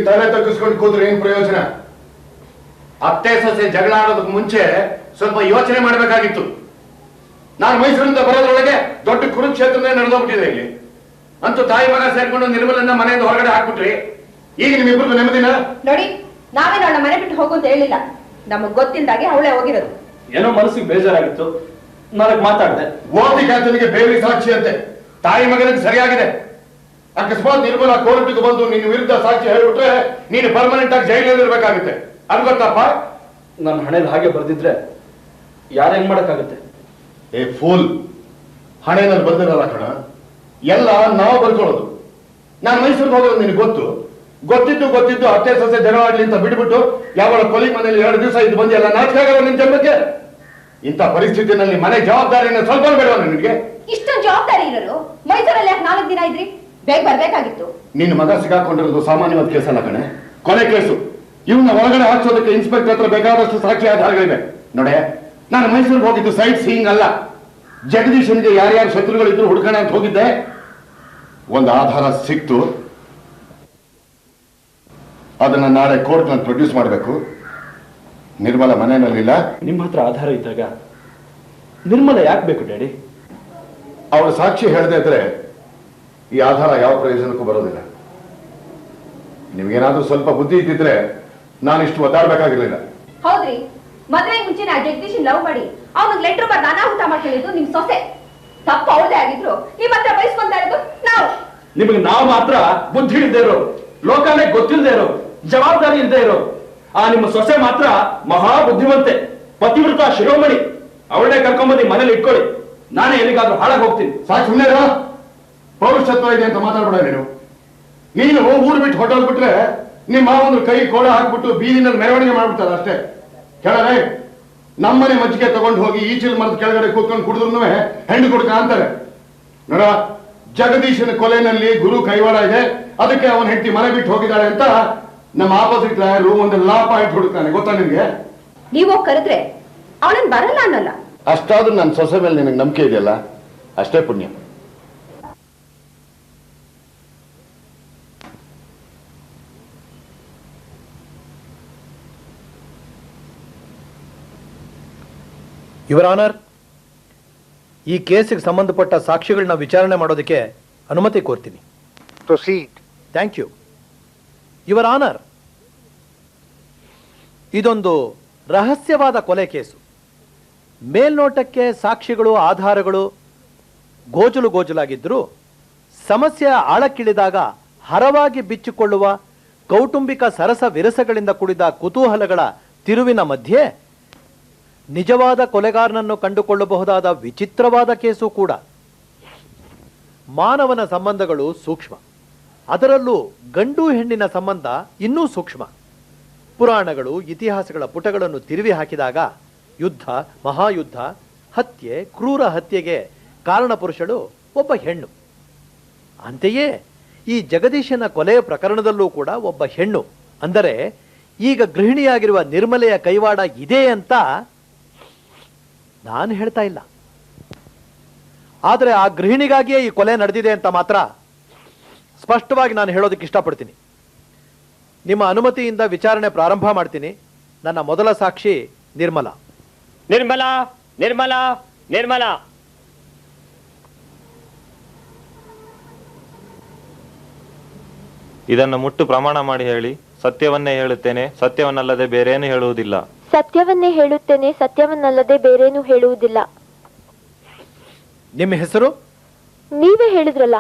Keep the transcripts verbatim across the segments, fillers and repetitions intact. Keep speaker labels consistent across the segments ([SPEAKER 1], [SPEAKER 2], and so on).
[SPEAKER 1] ತಲೆ ತಗ್ಗಿಸ್ಕೊಂಡು ಕೂತ್ರೆ ಏನ್ ಪ್ರಯೋಜನ? ಅತ್ತೆ ಸೊಸೆ ಜಗಳ ಆಡೋದಕ್ಕೆ ಮುಂಚೆ ಸ್ವಲ್ಪ ಯೋಚನೆ ಮಾಡಬೇಕಾಗಿತ್ತು. ನಾನು ಮೈಸೂರಿಂದ ಬರೋದ್ರೊಳಗೆ ದೊಡ್ಡ ಕುರುಕ್ಷೇತ್ರನೇ ನಡೆದೋಗ್ಬಿಟ್ಟಿದೆ ಇಲ್ಲಿ. ಅಂತೂ ತಾಯಿ ಮಗ ಸೇರ್ಕೊಂಡು ನಿರ್ಮಲನ್ನ ಮನೆಯಿಂದ ಹೊರಗಡೆ ಹಾಕ್ಬಿಟ್ರಿ. ಈಗ ನಿಮ್ಮಿಬ್ರಿಗೂ ನೆಮ್ಮದಿನ?
[SPEAKER 2] ನೋಡಿ, ನಾವೇನು ಅವಳ ಮನೆ ಬಿಟ್ಟು ಹೋಗು ಅಂತ ಹೇಳಿಲ್ಲ. ನಮಗ್ ಗೊತ್ತಿಲ್ದಾಗೆ ಅವಳೇ ಹೋಗಿರೋದು.
[SPEAKER 3] ಏನೋ ಮನಸ್ಸಿಗೆ ಬೇಜಾರಾಗಿತ್ತು, ನನಗೆ ಮಾತಾಡಿದೆ.
[SPEAKER 1] ಓದಿ ಖ್ಯಾತನಿಗೆ ಬೇರೆ ಸಾಕ್ಷಿ ಅಂತೆ. ತಾಯಿ ಮಗನಿಗೆ ಸರಿಯಾಗಿದೆ. ಅಕಸ್ಮಾತ್ ನಿರ್ಮಲ ಕೋರ್ಟ್ಗೆ ಬಂದು ನಿನ್ನ ವಿರುದ್ಧ ಸಾಕ್ಷಿ ಹೇಳ್ಬಿಟ್ರೆ ನೀನು ಪರ್ಮನೆಂಟ್ ಆಗಿ ಜೈಲಲ್ಲಿ ಇರ್ಬೇಕಾಗುತ್ತೆ. ಅದು ಗೊತ್ತಪ್ಪ?
[SPEAKER 3] ನನ್ನ ಹಣೆಯಲ್ಲಿ ಹಾಗೆ ಬರ್ದಿದ್ರೆ ಯಾರೇನ್ ಮಾಡಕ್ಕಾಗುತ್ತೆ?
[SPEAKER 1] ಏ ಫೂಲ್, ಹಣೆನಲ್ಲಿ ಬರ್ದಿರಲ್ಲ ಕಣ, ಎಲ್ಲ ನಾವು ಬರ್ಕೊಳ್ಳೋದು. ನಾನು ಮೈಸೂರಿಗೆ ಹೋಗೋದು ನಿನಗೆ ಗೊತ್ತು. ಗೊತ್ತಿದ್ದು ಗೊತ್ತಿದ್ದು ಅತ್ತೆ ಸೊಸೆ ಜಗಳ ಆಡ್ಲಿ ಅಂತ ಬಿಡ್ಬಿಟ್ಟು ಯಾವಳ ಕೊಲಿ ಮನೇಲಿ ಎರಡು ದಿವಸ ಇದು ಬಂದು ಎಲ್ಲ ನಾಚಿಕೆ ಆಗಲ್ಲ ನಿನ್ ಜನ್ಮಕ್ಕೆ. ಇಂಥ ಪರಿಸ್ಥಿತಿನಲ್ಲಿ ಮನೆ ಜವಾಬ್ದಾರಿಯನ್ನು ಸ್ವಲ್ಪ ಬೇಡವ ನಿನಗೆ?
[SPEAKER 2] ಇಷ್ಟೊಂದು ಜವಾಬ್ದಾರಿ ಇರೋರು ಮೈಸೂರಲ್ಲಿ ಯಾಕೆ ನಾಲ್ಕು ದಿನ ಇದ್ರಿ? ಬೇಗ ಬರ್ಬೇಕಾಗಿತ್ತು.
[SPEAKER 1] ನಿನ್ನ ಮಗ ಸಿಗಾಕೊಂಡಿರೋದು ಸಾಮಾನ್ಯವಾದ ಕೇಸ್ ಅಲ್ಲ ಕಣೆ, ಕೊಲೆ ಕೇಸು. ಇವನ್ನ ಒಳಗಡೆ ಹಾಕ್ಸೋದಕ್ಕೆ ಇನ್ಸ್ಪೆಕ್ಟರ್ ಹತ್ರ ಬೇಕಾದಷ್ಟು ಸಾಕ್ಷಿ ಆಧಾರಗಳಿವೆ. ನೋಡೆ, ನಾನು ಮೈಸೂರಿಗೆ ಹೋಗಿದ್ದು ಸೈಟ್ ಸೀಯಿಂಗ್ ಅಲ್ಲ. ಜಗದೀಶನ್ಗೆ ಯಾರ್ಯಾರು ಶತ್ರುಗಳಿದ್ರು ಹುಡ್ಕೋಣ ಅಂತ ಹೋಗಿದ್ದೆ. ಒಂದು ಆಧಾರ ಸಿಕ್ತು, ಅದನ್ನ ನಾಳೆ ಕೋರ್ಟ್ ನಲ್ಲಿ ಪ್ರೊಡ್ಯೂಸ್ ಮಾಡಬೇಕು. ನಿರ್ಮಲ ಮನೆಯಲ್ಲಿಲ್ಲ.
[SPEAKER 3] ನಿಮ್ಮ ಹತ್ರ ಆಧಾರ ಇದ್ದಾಗ ನಿರ್ಮಲ ಯಾಕೆ ಬೇಕು ಡ್ಯಾಡಿ?
[SPEAKER 1] ಅವಳು ಸಾಕ್ಷಿ ಹೇಳದೇ ಇದ್ರೆ ಈ ಆಧಾರ ಯಾವ ಪ್ರಯೋಜನಕ್ಕೂ ಬರೋದಿಲ್ಲ. ನಿಮ್ಗೇನಾದ್ರೂ ಸ್ವಲ್ಪ ಬುದ್ಧಿ ಇದ್ದಿದ್ರೆ ನಾನಿಷ್ಟು ಒದ್ದಾಡಬೇಕಾಗಿರ್ಲಿಲ್ಲ.
[SPEAKER 2] ಹೌದ್ರಿ, ಮದ್ವೆಗೆ ಮುಂಚೆ ನಾ ಜಗದೀಶನ್ ಲವ್ ಮಾಡಿ ಅವನಿಗೆ ಲೆಟರ್ ಬರ್ ಅನಾಹುತ ಮಾಡ್ಕೊಂಡಿದ್ದು ನಿಮ್ ಸೊಸೆ. ತಪ್ಪು ಅವಳದೇ ಆಗಿದ್ರು ನಿಮ್ಮ ಹತ್ರ ಬಯಸ್ಕೊಂತ ಇರೋದು ನಾವು.
[SPEAKER 3] ನಿಮಗೆ ನಾವು ಮಾತ್ರ ಬುದ್ಧಿ ಇಲ್ಲದೆ ಇರೋ, ಲೋಕನೇ ಗೊತ್ತಿಲ್ಲದೆ ಇರೋ, ಜವಾಬ್ದಾರಿ ಇಲ್ಲದೆ ಇರೋ. ಆ ನಿಮ್ಮ ಸೊಸೆ ಮಾತ್ರ ಮಹಾ ಬುದ್ಧಿವಂತೆ, ಪತಿವೃತ ಶಿರೋಮಣಿ. ಅವಳನ್ನೇ ಕರ್ಕೊಂಬಂದು ಮನೇಲಿ ಇಟ್ಕೊಳ್ಳಿ, ನಾನೇ ಎಲ್ಲಿಗಾದ್ರೂ ಹಾಳಾಗಿ ಹೋಗ್ತೀನಿ.
[SPEAKER 1] ಸಾಕು, ಸುಮ್ಮನೆ ಪೌರುಷತ್ವ ಇದೆ ಅಂತ ಮಾತಾಡ್ಬೇಡ ನೀನು. ನೀನು ಊರು ಬಿಟ್ಟು ಹೊಟ್ಟೋಗ್ಬಿಟ್ರೆ ನಿಮ್ಮ ಒಂದು ಕೈ ಕೋಳ ಹಾಕ್ಬಿಟ್ಟು ಬೀದಿನಲ್ಲಿ ಮೆರವಣಿಗೆ ಮಾಡ್ಬಿಡ್ತಾರೆ ಅಷ್ಟೇ. ಕೇಳರೆ, ನಮ್ಮನೆ ಮಜ್ಜಿಗೆ ತಗೊಂಡು ಹೋಗಿ ಈಚಿಲ್ ಮರದ ಕೆಳಗಡೆ ಕೂತ್ಕೊಂಡು ಕುಡಿದ್ರು ಹೆಣ್ಣು ಕುಡ್ಕ ಅಂತಾರೆ. ನೋಡ, ಜಗದೀಶನ ಕೊಲೆನಲ್ಲಿ ಗುರು ಕೈವಾಡ ಇದೆ, ಅದಕ್ಕೆ ಅವನ ಹೆಂಡತಿ ಮನೆ ಬಿಟ್ಟು ಹೋಗಿದ್ದಾಳೆ ಅಂತ ನಮ್ಮ ಆಪೋಸಿಟ್ ಲಾಯರ್ ಒಂದು ಲಾ ಪಾಯಿಂಟ್ ಹುಡುಕ್ತಾನೆ. ಗೊತ್ತಾ ನಿನ್ಗೆ?
[SPEAKER 2] ನೀವು ಕರೆದ್ರೆ ಅವಳನ್ ಬರಲ್ಲ ಅನ್ನಲ್ಲ.
[SPEAKER 1] ಅಷ್ಟಾದ್ರೂ ನನ್ನ ಸೊಸೆ ಮೇಲೆ ನಿನಗೆ ನಂಬಿಕೆ ಇದೆಯಲ್ಲ, ಅಷ್ಟೇ ಪುಣ್ಯ.
[SPEAKER 4] ಯುವರ್ ಆನರ್, ಈ ಕೇಸಿಗೆ ಸಂಬಂಧಪಟ್ಟ ಸಾಕ್ಷಿಗಳನ್ನ ವಿಚಾರಣೆ ಮಾಡೋದಕ್ಕೆ ಅನುಮತಿ ಕೋರ್ತೀನಿ.
[SPEAKER 5] Proceed.
[SPEAKER 4] Thank you. Your honour, ಇದೊಂದು ರಹಸ್ಯವಾದ ಕೊಲೆ ಕೇಸು. ಮೇಲ್ನೋಟಕ್ಕೆ ಸಾಕ್ಷಿಗಳು ಆಧಾರಗಳು ಗೋಜಲು ಗೋಜಲಾಗಿದ್ದರೂ ಸಮಸ್ಯೆಯ ಆಳಕ್ಕಿಳಿದಾಗ ಹರವಾಗಿ ಬಿಚ್ಚಿಕೊಳ್ಳುವ ಕೌಟುಂಬಿಕ ಸರಸ ವಿರಸಗಳಿಂದ ಕೂಡಿದ ಕುತೂಹಲಗಳ ತಿರುವಿನ ಮಧ್ಯೆ ನಿಜವಾದ ಕೊಲೆಗಾರನನ್ನು ಕಂಡುಕೊಳ್ಳಬಹುದಾದ ವಿಚಿತ್ರವಾದ ಕೇಸು ಕೂಡ. ಮಾನವನ ಸಂಬಂಧಗಳು ಸೂಕ್ಷ್ಮ, ಅದರಲ್ಲೂ ಗಂಡು ಹೆಣ್ಣಿನ ಸಂಬಂಧ ಇನ್ನೂ ಸೂಕ್ಷ್ಮ. ಪುರಾಣಗಳು ಇತಿಹಾಸಗಳ ಪುಟಗಳನ್ನು ತಿರುವಿ ಹಾಕಿದಾಗ ಯುದ್ಧ, ಮಹಾಯುದ್ಧ, ಹತ್ಯೆ, ಕ್ರೂರ ಹತ್ಯೆಗೆ ಕಾರಣ ಪುರುಷಳು ಒಬ್ಬ ಹೆಣ್ಣು. ಅಂತೆಯೇ ಈ ಜಗದೀಶನ ಕೊಲೆಯ ಪ್ರಕರಣದಲ್ಲೂ ಕೂಡ ಒಬ್ಬ ಹೆಣ್ಣು. ಅಂದರೆ ಈಗ ಗೃಹಿಣಿಯಾಗಿರುವ ನಿರ್ಮಲೆಯ ಕೈವಾಡ ಇದೆ ಅಂತ ನಾನು ಹೇಳ್ತಾ ಇಲ್ಲ. ಆದರೆ ಆ ಗೃಹಿಣಿಗಾಗಿಯೇ ಈ ಕೊಲೆ ನಡೆದಿದೆ ಅಂತ ಮಾತ್ರ ಸ್ಪಷ್ಟವಾಗಿ ನಾನು ಹೇಳೋದಕ್ಕೆ ಇಷ್ಟಪಡ್ತೀನಿ. ನಿಮ್ಮ ಅನುಮತಿಯಿಂದ ವಿಚಾರಣೆ ಪ್ರಾರಂಭ ಮಾಡ್ತೀನಿ. ನನ್ನ ಮೊದಲ ಸಾಕ್ಷಿ ನಿರ್ಮಲಾ.
[SPEAKER 6] ನಿರ್ಮಲಾ ನಿರ್ಮಲಾ ನಿರ್ಮಲಾ
[SPEAKER 7] ಇದನ್ನು ಮುಟ್ಟು ಪ್ರಮಾಣ ಮಾಡಿ ಹೇಳಿ. ಸತ್ಯವನ್ನೇ ಹೇಳುತ್ತೇನೆ, ಸತ್ಯವನ್ನಲ್ಲದೆ ಬೇರೇನು ಹೇಳುವುದಿಲ್ಲ.
[SPEAKER 8] ಸತ್ಯವನ್ನೇ ಹೇಳುತ್ತೇನೆ, ಸತ್ಯವನ್ನಲ್ಲದೆ ಬೇರೇನು ಹೇಳುವುದಿಲ್ಲ.
[SPEAKER 4] ನಿಮ್ಮ ಹೆಸರು?
[SPEAKER 8] ನೀವೇ ಹೇಳಿದ್ರಲ್ಲ.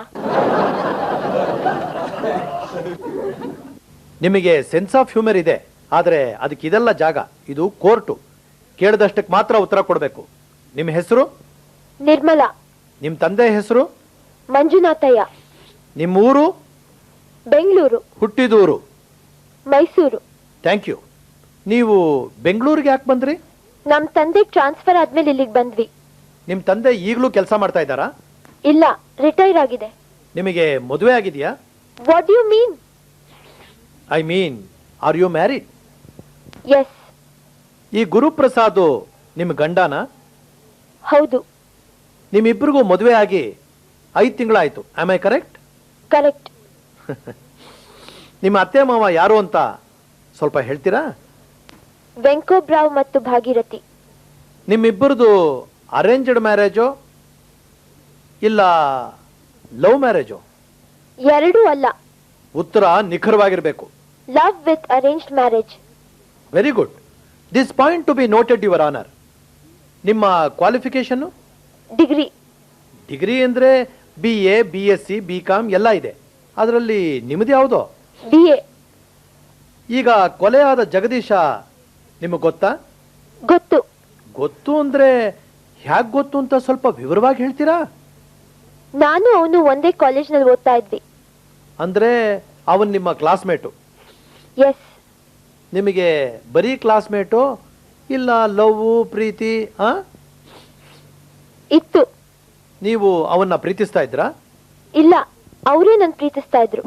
[SPEAKER 4] ನಿಮಗೆ ಸೆನ್ಸ್ ಆಫ್ ಹ್ಯೂಮರ್ ಇದೆ, ಆದರೆ ಅದಕ್ಕೆ ಇದೆಲ್ಲ ಜಾಗ. ಇದು ಕೋರ್ಟು, ಕೇಳಿದಷ್ಟಕ್ಕೆ ಮಾತ್ರ ಉತ್ತರ ಕೊಡಬೇಕು. ನಿಮ್ಮ ಹೆಸರು?
[SPEAKER 8] ನಿರ್ಮಲಾ.
[SPEAKER 4] ನಿಮ್ಮ ತಂದೆ ಹೆಸರು?
[SPEAKER 8] ಮಂಜುನಾಥಯ್ಯ.
[SPEAKER 4] ನಿಮ್ಮ ಊರು?
[SPEAKER 8] ಬೆಂಗಳೂರು.
[SPEAKER 4] ಹುಟ್ಟಿದೂರು?
[SPEAKER 8] ಮೈಸೂರು.
[SPEAKER 4] Thank you. ನೀವು ಬೆಂಗಳೂರಿಗೆ ಯಾಕೆ ಬಂದ್ರಿ?
[SPEAKER 8] ನಮ್ ತಂದೆ ಟ್ರಾನ್ಸ್ಫರ್ ಆದ್ಮೇಲೆ ಇಲ್ಲಿಗೆ ಬಂದ್ವಿ.
[SPEAKER 4] ನಿಮ್ಮ ತಂದೆ ಈಗಲೂ ಕೆಲಸ ಮಾಡ್ತಾ ಇದ್ದಾರಾ?
[SPEAKER 8] ಇಲ್ಲ, ರಿಟೈರ್ ಆಗಿದೆ.
[SPEAKER 4] ನಿಮಗೆ ಮದುವೆ ಆಗಿದೆಯಾ?
[SPEAKER 8] What you mean?
[SPEAKER 4] I mean, are you married?
[SPEAKER 8] Yes.
[SPEAKER 4] ಈ ಗುರುಪ್ರಸಾದ್ ನಿಮ್ಮ ಗಂಡನ?
[SPEAKER 8] ಹೌದು.
[SPEAKER 4] ನಿಮ್ಮಿಬ್ಬರಿಗೂ ಮದುವೆ ಆಗಿ ಐದು ತಿಂಗಳಾಯ್ತು. Am I correct?
[SPEAKER 8] ಕರೆಕ್ಟ್.
[SPEAKER 4] ನಿಮ್ಮ ಅತ್ತೆ ಮಾವ ಯಾರು ಅಂತ ಸ್ವಲ್ಪ ಹೇಳ್ತೀರಾ?
[SPEAKER 8] ವೆಂಕೋಬ್ರಾವ್ ಮತ್ತು ಭಾಗೀರಥಿ.
[SPEAKER 4] ನಿಮ್ಮಿಬ್ಬರದು ಅರೇಂಜ್ಡ್ ಮ್ಯಾರೇಜೋ ಇಲ್ಲ ಲವ್ ಮ್ಯಾರೇಜೋ?
[SPEAKER 8] ಎರಡೂ ಅಲ್ಲ.
[SPEAKER 4] ಉತ್ತರ ನಿಖರವಾಗಿರಬೇಕು.
[SPEAKER 8] Love with arranged marriage.
[SPEAKER 4] Very good. This point to be noted your honour. ನಿಮ್ಮ ಕ್ವಾಲಿಫಿಕೇಶನ್?
[SPEAKER 8] ಡಿಗ್ರಿ.
[SPEAKER 4] ಡಿಗ್ರಿ ಅಂದ್ರೆ B A, B S C, B com ಎಲ್ಲ ಇದೆ. ಅದರಲ್ಲಿ ನಿಮ್ಮದು ಯಾವುದೋ?
[SPEAKER 8] B A.
[SPEAKER 4] ಈಗ ಕೊಲೆಯಾದ ಜಗದೀಶ ನಿಮಗೆ ಗೊತ್ತಾ?
[SPEAKER 8] ಗೊತ್ತು.
[SPEAKER 4] ಗೊತ್ತು ಅಂದ್ರೆ ಹ್ಯಾಕ್ ಗೊತ್ತು ಅಂತ ಸ್ವಲ್ಪ ವಿವರವಾಗಿ ಹೇಳ್ತೀರಾ?
[SPEAKER 8] ನಾನು ಅವನು ಒಂದೇ ಕಾಲೇಜ್ನಲ್ಲಿ ಓದ್ತಾ ಇದ್ವಿ.
[SPEAKER 4] ಅಂದ್ರೆ ಅವನ್ ನಿಮ್ಮ ಕ್ಲಾಸ್ಮೇಟು?
[SPEAKER 8] ಎಸ್.
[SPEAKER 4] ನಿಮಗೆ ಬರೀ ಕ್ಲಾಸ್ಮೇಟು ಇಲ್ಲ ಲವ್ ಪ್ರೀತಿ ಆ
[SPEAKER 8] ಇತ್ತು?
[SPEAKER 4] ನೀವು ಅವನ್ನ ಪ್ರೀತಿಸ್ತಾ ಇದ್ರಾ?
[SPEAKER 8] ಇಲ್ಲ, ಅವರೇ ನನ್ ಪ್ರೀತಿಸ್ತಾ ಇದ್ರು.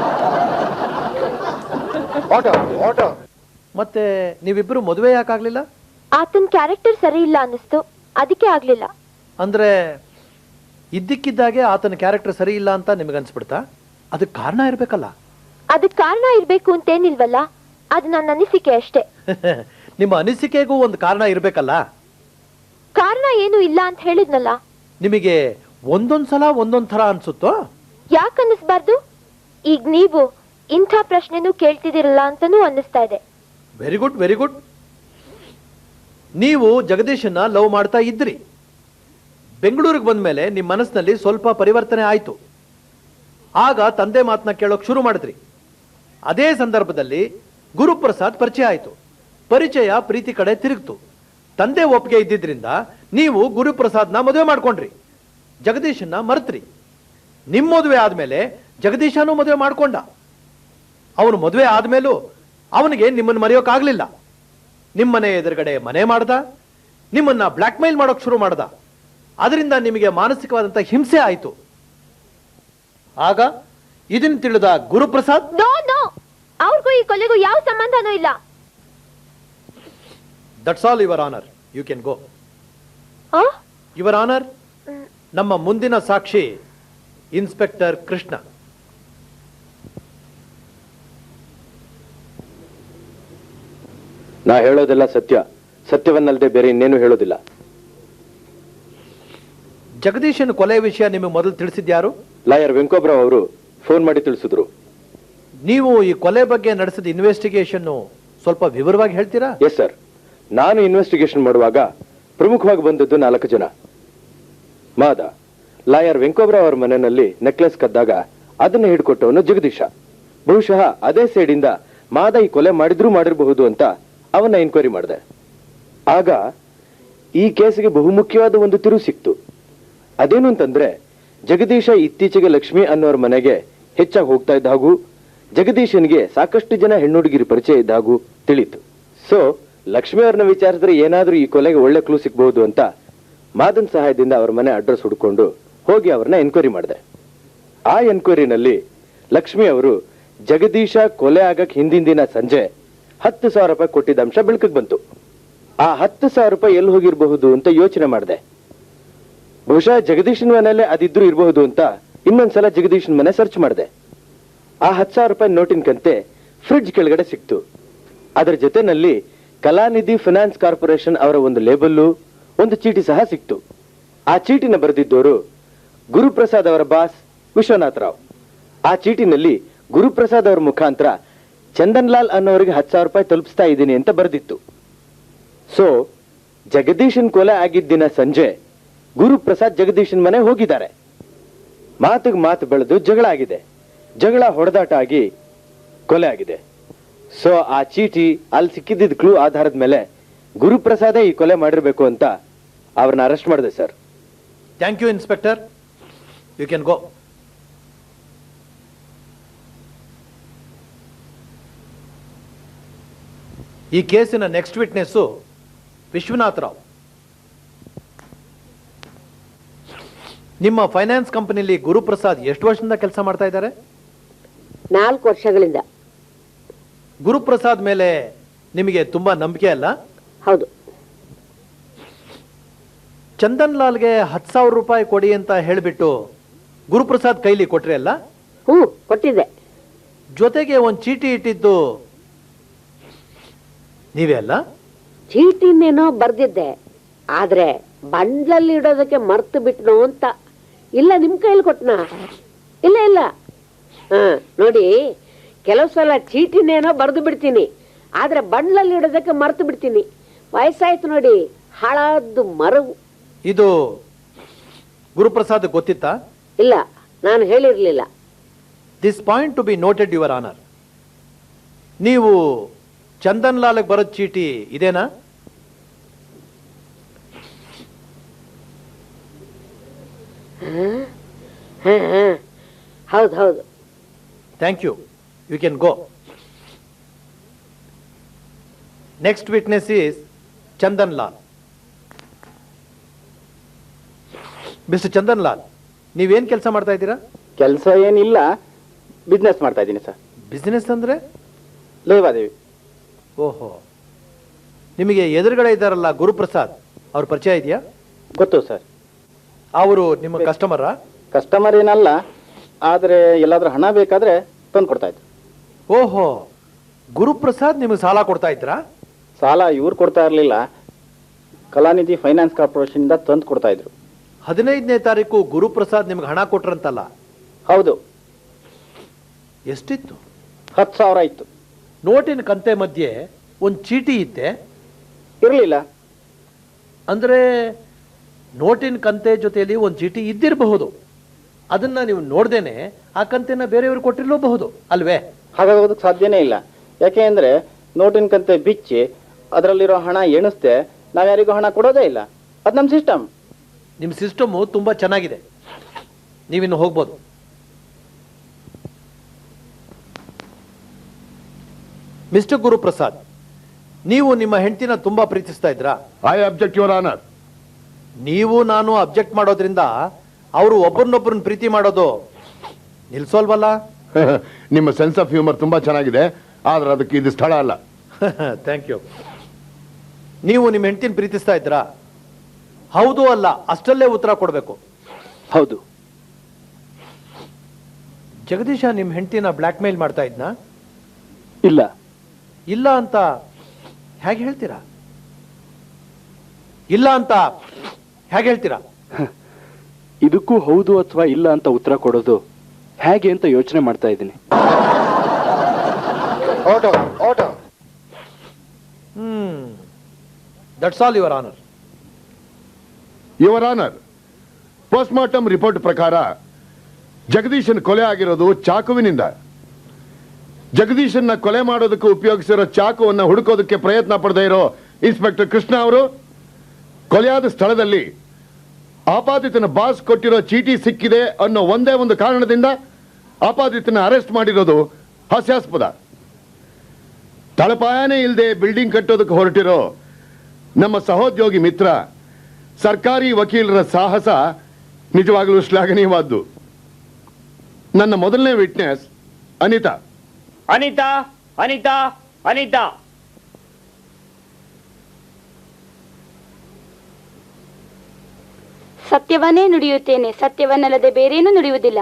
[SPEAKER 4] ಮತ್ತೆ ನೀವಿಬ್ರು ಮದುವೆ ಯಾಕಾಗ್ಲಿಲ್ಲ?
[SPEAKER 8] ಆತನ ಕ್ಯಾರೆಕ್ಟರ್ ಸರಿ ಇಲ್ಲ ಅನ್ನಿಸ್ತು, ಅದಕ್ಕೆ ಆಗ್ಲಿಲ್ಲ.
[SPEAKER 4] ಅಂದ್ರೆ ಇದ್ದಕ್ಕಿದ್ದಾಗೆ ಆತನ ಕ್ಯಾರೆಕ್ಟರ್ ಸರಿ ಇಲ್ಲ ಅಂತ ನಿಮಗೆ ಅನ್ಸ್ಬಿಡ್ತಾ? ಅದಕ್ಕೆ ಕಾರಣ ಇರ್ಬೇಕಲ್ಲ?
[SPEAKER 8] ಅದಕ್ಕೆ ಕಾರಣ ಇರ್ಬೇಕು ಅಂತೇನಿಲ್ವಲ್ಲ, ಅದು ನನ್ನ ಅನಿಸಿಕೆ ಅಷ್ಟೇ.
[SPEAKER 4] ನಿಮ್ಮ ಅನಿಸಿಕೆಗೂ ಒಂದು ಕಾರಣ ಇರ್ಬೇಕಲ್ಲ?
[SPEAKER 8] ಕಾರಣ ಏನು ಇಲ್ಲ ಅಂತ ಹೇಳಿದ್ನಲ್ಲ.
[SPEAKER 4] ನಿಮಗೆ ಒಂದೊಂದ್ಸಲ ಒಂದೊಂದ್ ಥರ ಅನ್ಸುತ್ತೋ?
[SPEAKER 8] ಯಾಕೆ ಅನ್ನಿಸ್ಬಾರ್ದು? ಈಗ ನೀವು ಇಂಥ ಪ್ರಶ್ನೆನೂ ಕೇಳ್ತಿದಿರಲ್ಲ ಅಂತಾನೂ ಅನ್ನಿಸ್ತಾ ಇದೆ.
[SPEAKER 4] Very good, very good. ನೀವು ಜಗದೀಶನ್ನ ಲವ್ ಮಾಡ್ತಾ ಇದ್ರಿ. ಬೆಂಗಳೂರಿಗೆ ಬಂದ ಮೇಲೆ ನಿಮ್ಮ ಮನಸ್ಸಿನಲ್ಲಿ ಸ್ವಲ್ಪ ಪರಿವರ್ತನೆ ಆಯ್ತು. ಆಗ ತಂದೆ ಮಾತನ್ನ ಕೇಳೋಕ್ ಶುರು ಮಾಡಿದ್ರಿ. ಅದೇ ಸಂದರ್ಭದಲ್ಲಿ ಗುರುಪ್ರಸಾದ್ ಪರಿಚಯ ಆಯ್ತು. ಪರಿಚಯ ಪ್ರೀತಿ ಕಡೆ ತಿರುಗ್ತು. ತಂದೆ ಒಪ್ಪಿಗೆ ಇದ್ದಿದ್ರಿಂದ ನೀವು ಗುರುಪ್ರಸಾದ್ನ ಮದುವೆ ಮಾಡ್ಕೊಂಡ್ರಿ. ಜಗದೀಶನ್ನ ಮರೆತ್ರಿ. ನಿಮ್ಮ ಮದುವೆ ಆದ್ಮೇಲೆ ಜಗದೀಶನೂ ಮದುವೆ ಮಾಡ್ಕೊಂಡ. ಅವನು ಮದುವೆ ಆದ್ಮೇಲೂ ಅವನಿಗೆ ನಿಮ್ಮನ್ನು ಮರೆಯೋಕ್ಕಾಗ್ಲಿಲ್ಲ. ನಿಮ್ಮನೆ ಎದುರುಗಡೆ ಮನೆ ಮಾಡ್ದ, ನಿಮ್ಮನ್ನ ಬ್ಲ್ಯಾಕ್ ಮೇಲ್ ಮಾಡೋಕ್ ಶುರು ಮಾಡ್ದ. ಅದರಿಂದ ನಿಮಗೆ ಮಾನಸಿಕವಾದಂತ ಹಿಂಸೆ ಆಯ್ತು. ಆಗ ಇದನ್ನು ತಿಳಿದ ಗುರುಪ್ರಸಾದ್,
[SPEAKER 8] ನೋ ನೋ, ಅವ್ರಿಗೂ ಈ ಕೊಲೆಗೂ ಯಾವ ಸಂಬಂಧನೂ ಇಲ್ಲ.
[SPEAKER 4] That's all your honour, you can go.
[SPEAKER 8] ಆ?
[SPEAKER 4] ಯುವರ್ ಆನರ್, ನಮ್ಮ ಮುಂದಿನ ಸಾಕ್ಷಿ ಇನ್ಸ್ಪೆಕ್ಟರ್ ಕೃಷ್ಣ.
[SPEAKER 5] ನಾ ಹೇಳೋದೆಲ್ಲ ಸತ್ಯ, ಸತ್ಯವನ್ನಲ್ಲದೆ ಬೇರೆ ಇನ್ನೇನು ಹೇಳೋದಿಲ್ಲ.
[SPEAKER 4] ಜಗದೀಶನ್ ಕೊಲೆ ವಿಷಯ ನಿಮಗೆ ಮೊದಲು ತಿಳಿಸಿದ್ಯಾರು?
[SPEAKER 5] ಲಾಯರ್ ವೆಂಕೋಬ್ರಾವ್ ಅವರು ಫೋನ್ ಮಾಡಿ ತಿಳಿಸಿದ್ರು.
[SPEAKER 4] ನೀವು ಈ ಕೊಲೆ ಬಗ್ಗೆ ನಡೆಸಿದ ಇನ್ವೆಸ್ಟಿಗೇಷನ್ ಸ್ವಲ್ಪ ವಿವರವಾಗಿ ಹೇಳ್ತೀರಾ?
[SPEAKER 5] Yes sir. ನಾನು ಇನ್ವೆಸ್ಟಿಗೇಷನ್ ಮಾಡುವಾಗ ಪ್ರಮುಖವಾಗಿ ಬಂದದ್ದು ನಾಲ್ಕು ಜನ. ಮಾದ, ಲಾಯರ್ ವೆಂಕೋಬ್ರಾವ್ ಅವರ ಮನೆಯಲ್ಲಿ ನೆಕ್ಲೆಸ್ ಕದ್ದಾಗ ಅದನ್ನ ಹಿಡ್ಕೊಟ್ಟವನು ಜಗದೀಶ. ಬಹುಶಃ ಅದೇ ಸೈಡಿಂದ ಮಾದ ಈ ಕೊಲೆ ಮಾಡಿದ್ರೂ ಮಾಡಿರಬಹುದು ಅಂತ ಅವನ್ನ ಎನ್ಕ್ವೈರಿ ಮಾಡಿದೆ. ಆಗ ಈ ಕೇಸಿಗೆ ಬಹುಮುಖ್ಯವಾದ ಒಂದು ತಿರುವು ಸಿಕ್ತು. ಅದೇನು ಅಂತಂದ್ರೆ, ಜಗದೀಶ ಇತ್ತೀಚೆಗೆ ಲಕ್ಷ್ಮಿ ಅನ್ನೋರ ಮನೆಗೆ ಹೆಚ್ಚಾಗಿ ಹೋಗ್ತಾ ಇದ್ದ ಹಾಗೂ ಜಗದೀಶನ್ಗೆ ಸಾಕಷ್ಟು ಜನ ಹೆಣ್ಣುಡುಗಿರಿ ಪರಿಚಯ ಇದ್ದ ಹಾಗೂ ತಿಳಿತು. ಸೊ ಲಕ್ಷ್ಮಿ ಅವ್ರನ್ನ ವಿಚಾರಿಸಿದ್ರೆ ಏನಾದ್ರೂ ಈ ಕೊಲೆಗೆ ಒಳ್ಳೆ ಕ್ಲೂ ಸಿಗಬಹುದು ಅಂತ ಮಾದನ್ ಸಹಾಯದಿಂದ ಅವ್ರ ಮನೆ ಅಡ್ರೆಸ್ ಹುಡ್ಕೊಂಡು ಹೋಗಿ ಅವ್ರನ್ನ ಎನ್ಕ್ವೈರಿ ಮಾಡಿದೆ. ಆ ಎನ್ಕ್ವೈರಿನಲ್ಲಿ ಲಕ್ಷ್ಮಿ ಅವರು ಜಗದೀಶ ಕೊಲೆ ಆಗಕ್ ಹಿಂದಿನ ದಿನ ಸಂಜೆ ಹತ್ತು ಸಾವಿರ ರೂಪಾಯಿ ಕೊಟ್ಟಿದ್ದ ಅಂಶ ಬೆಳಕಿಗೆ ಬಂತು. ಆ ಹತ್ತು ಸಾವಿರ ರೂಪಾಯಿ ಎಲ್ಲಿ ಹೋಗಿರಬಹುದು ಅಂತ ಯೋಚನೆ ಮಾಡಿದೆ. ಬಹುಶಃ ಜಗದೀಶನ್ ಮನೆಯಲ್ಲೇ ಅದಿದ್ರು ಇರಬಹುದು ಅಂತ ಇನ್ನೊಂದ್ಸಲ ಜಗದೀಶನ್ ಮನೆ ಸರ್ಚ್ ಮಾಡಿದೆ. ಆ ಹತ್ತು ಸಾವಿರ ರೂಪಾಯಿ ನೋಟಿನ ಕಂತೆ ಫ್ರಿಡ್ಜ್ ಕೆಳಗಡೆ ಸಿಕ್ತು. ಅದರ ಜೊತೆನಲ್ಲಿ ಕಲಾನಿಧಿ ಫೈನಾನ್ಸ್ ಕಾರ್ಪೊರೇಷನ್ ಅವರ ಒಂದು ಲೇಬಲ್ಲು, ಒಂದು ಚೀಟಿ ಸಹ ಸಿಕ್ತು. ಆ ಚೀಟಿನ ಬರೆದಿದ್ದವರು ಗುರುಪ್ರಸಾದ್ ಅವರ ಬಾಸ್ ವಿಶ್ವನಾಥ್ ರಾವ್. ಆ ಚೀಟಿನಲ್ಲಿ ಗುರುಪ್ರಸಾದ್ ಅವರ ಮುಖಾಂತರ ಚಂದನ್ ಲಾಲ್ ಅನ್ನೋರಿಗೆ ಹತ್ತು ಸಾವಿರ ರೂಪಾಯಿ ತಲುಪಿಸ್ತಾ ಇದ್ದೀನಿ ಅಂತ ಬರೆದಿತ್ತು. ಸೊ ಜಗದೀಶನ್ ಕೊಲೆ ಆಗಿದ್ದ ದಿನ ಸಂಜೆ ಗುರುಪ್ರಸಾದ್ ಜಗದೀಶನ್ ಮನೆ ಹೋಗಿದ್ದಾರೆ. ಮಾತಿಗೆ ಮಾತು ಬೆಳೆದು ಜಗಳ ಆಗಿದೆ. ಜಗಳ ಹೊಡೆದಾಟ ಆಗಿ ಕೊಲೆ ಆಗಿದೆ. ಸೊ ಆ ಚೀಟಿ ಅಲ್ಲಿ ಸಿಕ್ಕಿದ್ದ ಕ್ಲೂ ಆಧಾರದ ಮೇಲೆ ಗುರುಪ್ರಸಾದೇ ಈ ಕೊಲೆ ಮಾಡಿರ್ಬೇಕು ಅಂತ ಅವ್ರನ್ನ ಅರೆಸ್ಟ್ ಮಾಡಿದೆ sir.
[SPEAKER 4] Thank you inspector, you can go. ಈ ಕೇಸಿನ ನೆಕ್ಸ್ಟ್ ವಿಟ್ನೆಸ್ಸು ವಿಶ್ವನಾಥ್ ರಾವ್. ನಿಮ್ಮ ಫೈನಾನ್ಸ್ ಕಂಪನಿಯಲ್ಲಿ ಗುರುಪ್ರಸಾದ್ ಎಷ್ಟು ವರ್ಷದಿಂದ ಕೆಲಸ ಮಾಡ್ತಾ ಇದ್ದಾರೆ?
[SPEAKER 9] ನಾಲ್ಕು ವರ್ಷಗಳಿಂದ.
[SPEAKER 4] ಗುರುಪ್ರಸಾದ್ ಮೇಲೆ ನಿಮಗೆ ತುಂಬಾ ನಂಬಿಕೆ ಅಲ್ಲ?
[SPEAKER 9] ಹೌದು.
[SPEAKER 4] ಚಂದನ್ ಲಾಲ್ಗೆ ಹತ್ತು ಸಾವಿರ ರೂಪಾಯಿ ಕೊಡಿ ಅಂತ ಹೇಳಿಬಿಟ್ಟು ಗುರುಪ್ರಸಾದ್ ಕೈಲಿ ಕೊಟ್ರಿ ಅಲ್ಲ?
[SPEAKER 9] ಹ್ಞೂ, ಕೊಟ್ಟಿದ್ದೆ.
[SPEAKER 4] ಜೊತೆಗೆ ಒಂದು ಚೀಟಿ ಇಟ್ಟಿದ್ದು ನೀವೇ ಅಲ್ಲ?
[SPEAKER 9] ಚೀಟಿನೇನೋ ಬರ್ದಿದ್ದೆ, ಆದ್ರೆ ಬಂಡ್ಲಲ್ಲಿ ಇಡೋದಕ್ಕೆ ಮರ್ತು ಬಿಟ್ನೋ ಅಂತ. ಇಲ್ಲ ನಿಮ್ ಕೈಲಿ ಕೊಟ್ನ? ಇಲ್ಲ ಇಲ್ಲ. ಹಾ ನೋಡಿ, ಕೆಲವು ಸಲ ಚೀಟಿನೇನೋ ಬರ್ದು ಬಿಡ್ತೀನಿ, ಆದ್ರೆ ಬಂಡ್ಲಲ್ಲಿ ಇಡೋದಕ್ಕೆ ಮರ್ತು ಬಿಡ್ತೀನಿ. ವಯಸ್ಸಾಯ್ತು ನೋಡಿ, ಹಾಳಾದ್ದು ಮರವು.
[SPEAKER 4] ಇದು ಗುರುಪ್ರಸಾದ್ ಗೊತ್ತಿತ್ತಾ?
[SPEAKER 9] ಇಲ್ಲ, ನಾನು ಹೇಳಿರ್ಲಿಲ್ಲ.
[SPEAKER 4] This point to be noted your honour. ನೀವು ಚಂದನ್ ಲಾಲ್ಗೆ ಬರೋ ಚೀಟಿ ಇದೇನಾ?
[SPEAKER 9] ಹೌದು ಹೌದು.
[SPEAKER 4] Thank you. You can go. Next witness is Chandan Lal. Mister Chandan Lal, ನೀವೇನ್ ಕೆಲಸ ಮಾಡ್ತಾ ಇದ್ದೀರಾ?
[SPEAKER 10] ಕೆಲಸ ಏನಿಲ್ಲ, ಬಿಸ್ನೆಸ್ ಮಾಡ್ತಾ ಇದ್ದೀನಿ ಸರ್.
[SPEAKER 4] ಬಿಸ್ನೆಸ್ ಅಂದ್ರೆ?
[SPEAKER 10] ಲೇವಾದೇವಿ.
[SPEAKER 4] ಓಹೋ, ನಿಮಗೆ ಎದುರುಗಡೆ ಇದ್ದಾರಲ್ಲ ಗುರುಪ್ರಸಾದ್, ಅವ್ರ ಪರಿಚಯ ಇದೆಯಾ?
[SPEAKER 10] ಗೊತ್ತು ಸರ್.
[SPEAKER 4] ಅವರು ನಿಮ್ಮ ಕಸ್ಟಮರಾ?
[SPEAKER 10] ಕಸ್ಟಮರ್ ಏನಲ್ಲ, ಆದರೆ ಎಲ್ಲಾದ್ರೂ ಹಣ ಬೇಕಾದ್ರೆ ತಂದು ಕೊಡ್ತಾ ಇದ್ರು.
[SPEAKER 4] ಓಹೋ, ಗುರುಪ್ರಸಾದ್ ನಿಮಗೆ ಸಾಲ ಕೊಡ್ತಾ ಇದ್ರಾ?
[SPEAKER 10] ಸಾಲ ಇವ್ರು ಕೊಡ್ತಾ ಇರಲಿಲ್ಲ, ಕಲಾನಿಧಿ ಫೈನಾನ್ಸ್ ಕಾರ್ಪೊರೇಷನ್ ಇಂದ ತಂದು ಕೊಡ್ತಾ ಇದ್ರು.
[SPEAKER 4] ಹದಿನೈದನೇ ತಾರೀಕು ಗುರುಪ್ರಸಾದ್ ನಿಮ್ಗೆ ಹಣ ಕೊಟ್ರಂತಲ್ಲ?
[SPEAKER 10] ಹೌದು.
[SPEAKER 4] ಎಷ್ಟಿತ್ತು?
[SPEAKER 10] ಹತ್ತು ಸಾವಿರ ಇತ್ತು.
[SPEAKER 4] ನೋಟಿನ ಕಂತೆ ಮಧ್ಯೆ ಒಂದು ಚೀಟಿ ಇತ್ತೆ?
[SPEAKER 10] ಇರಲಿಲ್ಲ.
[SPEAKER 4] ಅಂದ್ರೆ ನೋಟಿನ ಕಂತೆ ಜೊತೆಯಲ್ಲಿ ಒಂದು ಚೀಟಿ ಇದ್ದಿರಬಹುದು, ಅದನ್ನ ನೀವು ನೋಡ್ದೇನೆ ಆ ಕಂತೆನ ಬೇರೆಯವರು ಕೊಟ್ಟಿರಲೂಬಹುದು ಅಲ್ವೇ?
[SPEAKER 10] ಹಾಗಾಗೋದಕ್ಕೆ ಸಾಧ್ಯನೇ ಇಲ್ಲ. ಯಾಕೆ ಅಂದ್ರೆ ನೋಟಿನ ಕಂತೆ ಬಿಚ್ಚಿ ಅದರಲ್ಲಿರೋ ಹಣ ಎಣಿಸ್ದೆ ನಾವ್ಯಾರಿಗೂ ಹಣ ಕೊಡೋದೇ ಇಲ್ಲ. ಅದು ನಮ್ಮ ಸಿಸ್ಟಮ್.
[SPEAKER 4] ನಿಮ್ಮ ಸಿಸ್ಟಮು ತುಂಬಾ ಚೆನ್ನಾಗಿದೆ, ನೀವಿನ್ನು ಹೋಗ್ಬೋದು. ಮಿಸ್ಟರ್ ಗುರುಪ್ರಸಾದ್, ನೀವು ನಿಮ್ಮ ಹೆಂಡತಿನ ತುಂಬಾ ಪ್ರೀತಿಸ್ತಾ ಇದ್ರಾ?
[SPEAKER 1] I object your honour.
[SPEAKER 4] ನೀವು ನಾನು ಅಬ್ಜೆಕ್ಟ್ ಮಾಡೋದ್ರಿಂದ ಅವರು ಒಬ್ಬರನ್ನೊಬ್ಬರನ್ನ ಪ್ರೀತಿ ಮಾಡೋದು ನಿಲ್ಸೋಲ್ವಲ್ಲ?
[SPEAKER 1] ನಿಮ್ಮ ಸೆನ್ಸ್ ಆಫ್ ಹ್ಯೂಮರ್ ತುಂಬಾ ಚೆನ್ನಾಗಿದೆ, ಆದ್ರೆ ಅದಕ್ಕೆ ಇದು ಸ್ಥಳ ಅಲ್ಲ.
[SPEAKER 4] Thank you. ನೀವು ನಿಮ್ಮ ಹೆಂಡತಿನ ಪ್ರೀತಿಸ್ತಾ ಇದ್ರಾ? ಹೌದು ಅಲ್ಲ ಅಷ್ಟಲ್ಲೇ ಉತ್ತರ ಕೊಡಬೇಕು.
[SPEAKER 10] ಹೌದು.
[SPEAKER 4] ಜಗದೀಶ ನಿಮ್ಮ ಹೆಂಡತಿನ ಬ್ಲ್ಯಾಕ್ ಮೇಲ್ ಮಾಡ್ತಾ ಇದ್ನಾ?
[SPEAKER 10] ಇಲ್ಲ.
[SPEAKER 4] ಇಲ್ಲ ಅಂತ ಹೇಗೆ ಹೇಳ್ತೀರಾ? ಇಲ್ಲ ಅಂತ ಹೇಗೆ ಹೇಳ್ತೀರಾ?
[SPEAKER 10] ಇದಕ್ಕೂ ಹೌದು ಅಥವಾ ಇಲ್ಲ ಅಂತ ಉತ್ತರ ಕೊಡೋದು ಹೇಗೆ ಅಂತ ಯೋಚನೆ ಮಾಡ್ತಾ ಇದ್ದೀನಿ.
[SPEAKER 4] Hmm that's all your honour.
[SPEAKER 1] Your honour, post mortem report ಪ್ರಕಾರ ಜಗದೀಶನ್ ಕೊಲೆ ಆಗಿರೋದು ಚಾಕುವಿನಿಂದ. ಜಗದೀಶನ್ನ ಕೊಲೆ ಮಾಡೋದಕ್ಕೆ ಉಪಯೋಗಿಸಿರೋ ಚಾಕುವನ್ನ ಹುಡುಕೋದಕ್ಕೆ ಪ್ರಯತ್ನ ಪಡದೇ ಇರೋ ಇನ್ಸ್ಪೆಕ್ಟರ್ ಕೃಷ್ಣ ಅವರು ಕೊಲೆಯಾದ ಸ್ಥಳದಲ್ಲಿ ಆಪಾದಿತನ ಬಾಸ್ ಕೊಟ್ಟಿರೋ ಚೀಟಿ ಸಿಕ್ಕಿದೆ ಅನ್ನೋ ಒಂದೇ ಒಂದು ಕಾರಣದಿಂದ ಆಪಾದಿತನ ಅರೆಸ್ಟ್ ಮಾಡಿರೋದು ಹಾಸ್ಯಾಸ್ಪದ. ತಳಪಾಯನೇ ಇಲ್ಲದೆ ಬಿಲ್ಡಿಂಗ್ ಕಟ್ಟೋದಕ್ಕೆ ಹೊರಟಿರೋ ನಮ್ಮ ಸಹೋದ್ಯೋಗಿ ಮಿತ್ರ ಸರ್ಕಾರಿ ವಕೀಲರ ಸಾಹಸ ನಿಜವಾಗಲೂ ಶ್ಲಾಘನೀಯವಾದ್ದು. ನನ್ನ ಮೊದಲನೇ ವಿಟ್ನೆಸ್ ಅನಿತಾ.
[SPEAKER 6] ಅನಿತಾ ಅನಿತಾ ಅನಿತಾ
[SPEAKER 11] ಸತ್ಯವನ್ನೇ ನುಡಿಯುತ್ತೇನೆ, ಸತ್ಯವನ್ನಲ್ಲದೆ ಬೇರೇನೂ ನುಡಿಯುವುದಿಲ್ಲ.